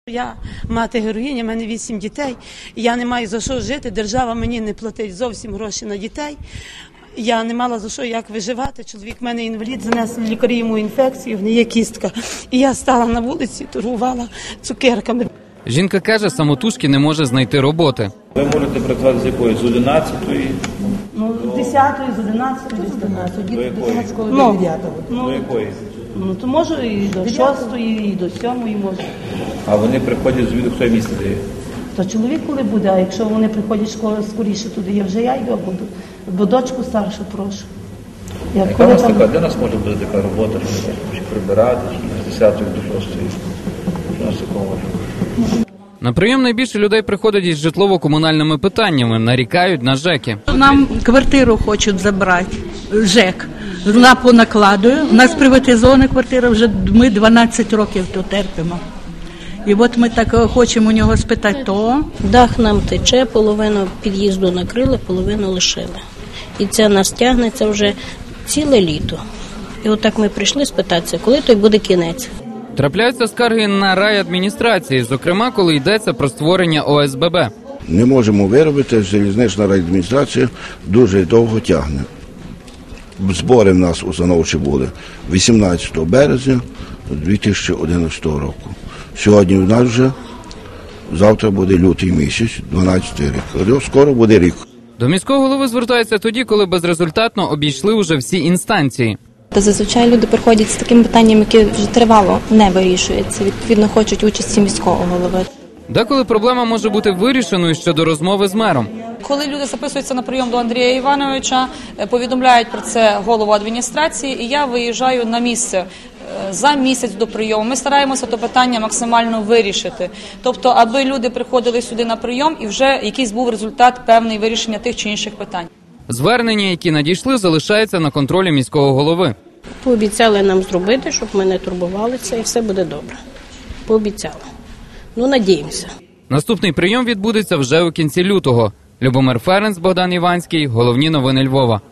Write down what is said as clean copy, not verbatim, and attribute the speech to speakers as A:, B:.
A: Я мати героїня, в мене 8 дітей, я не маю за що жити, держава мені не платить зовсім гроші на дітей. Я не мала за що, як виживати. Чоловік в мене інвалід, занесли лікарі йому інфекцію, в неї є кістка. І я стала на вулиці, торгувала цукерками.
B: Жінка каже, самотужки не може знайти роботи.
C: Ви можете працювати з якої? З 11-ї?
A: Ну, з 10-ї, з 11-ї, з 12-ї.
C: До якої?
A: До 9-ї.
C: До якої?
A: Ну, то можу і до 6-ї, і до 7-ї можу.
C: А вони приходять звідки, хто місце дає?
A: То чоловік коли буде, а якщо вони приходять скоріше туди, я вже йду, бо дочку старшу прошу.
C: Яка у нас така, де у нас може бути така робота, чи прибирати, чи з 10-ї до 6-ї? Що у нас такого може?
B: На прийом найбільше людей приходять із житлово-комунальними питаннями, нарікають на ЖЕКи.
D: Нам квартиру хочуть забрати, ЖЕК. Вона понакладує. У нас приватизована квартира, вже ми 12 років тут терпимо. І от ми так хочемо у нього спитати, то...
E: Дах нам тече, половину під'їзду накрили, половину лишили. І це нас тягнеться вже ціле літо. І отак ми прийшли спитатися, коли той буде кінець.
B: Трапляються скарги на райадміністрації, зокрема, коли йдеться про створення ОСББ.
F: Не можемо виробити, залізнична райадміністрація дуже довго тягне. Збори в нас установчі були 18 березня 2011 року. Сьогодні в нас вже, завтра буде лютий місяць, 12 рік. Скоро буде рік.
B: До міського голови звертаються тоді, коли безрезультатно обійшли уже всі інстанції.
G: Зазвичай люди приходять з таким питанням, яке вже тривало не вирішується. Відповідно, хочуть участі міського голови.
B: Деколи проблема може бути вирішеною щодо розмови з мером.
H: Коли люди записуються на прийом до Андрія Івановича, повідомляють про це голову адміністрації, і я виїжджаю на місце за місяць до прийому. Ми стараємося то питання максимально вирішити. Тобто, аби люди приходили сюди на прийом і вже якийсь був результат певний вирішення тих чи інших питань.
B: Звернення, які надійшли, залишаються на контролі міського голови.
E: Пообіцяли нам зробити, щоб ми не турбувалися, і все буде добре. Пообіцяли. Ну, надіємося.
B: Наступний прийом відбудеться вже у кінці лютого. Любомир Ференц, Богдан Іванський. Головні новини Львова.